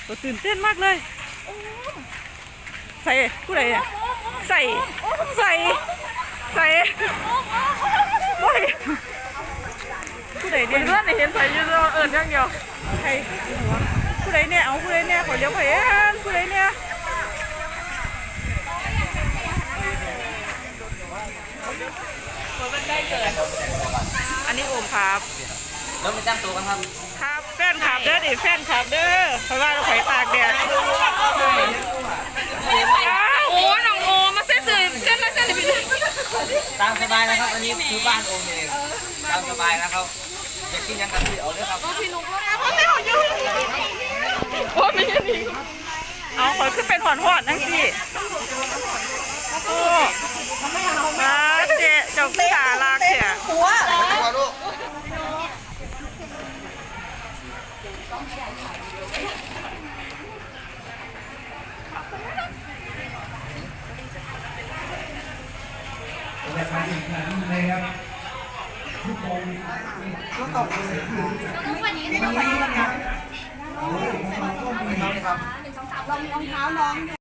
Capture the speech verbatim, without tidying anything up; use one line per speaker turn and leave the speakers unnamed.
ตัวตื่นเต้นมากเลยใส่ผู้ใดเนี่ยใส่ใส่ใส่โอ้ยผู้ใดเนี่ยเพื่อนเห็นใส่ยืนเอิญยังเดียวใครผู้ใดเนี่ยเอาผู้ใดเนี่ยขอเลี้ยวไปเอ็นผู้ใดเนี่ยอันนี้โอมครับ
แล้วไปจ้างตัวกันครับ
ครับแฟนขับเด้อดิแฟนขับเด้อเพราะว่าเราไฟตากแดด
โอ้น้องโอมาเส้นสื่อเส้นละเส้นเลยพี่
ตามสบายนะครับอันนี้คือบ้านโอมเองตามสบายนะครับอยากกินยังกันที่เอาเลยครับ
พี่นุ๊กแล้วพ่อแม่ของยูพ่อไม่ใช่นี่
เอาขอขึ้นเป็นหอนหอนนั่งสิโอ้มาเจ๊เจ้าขึ้นตาลากเสีย
หัวหัวลูก
นะครับทุกคนก็ตกทุกวันนี้นะครับรองเท้าน้อง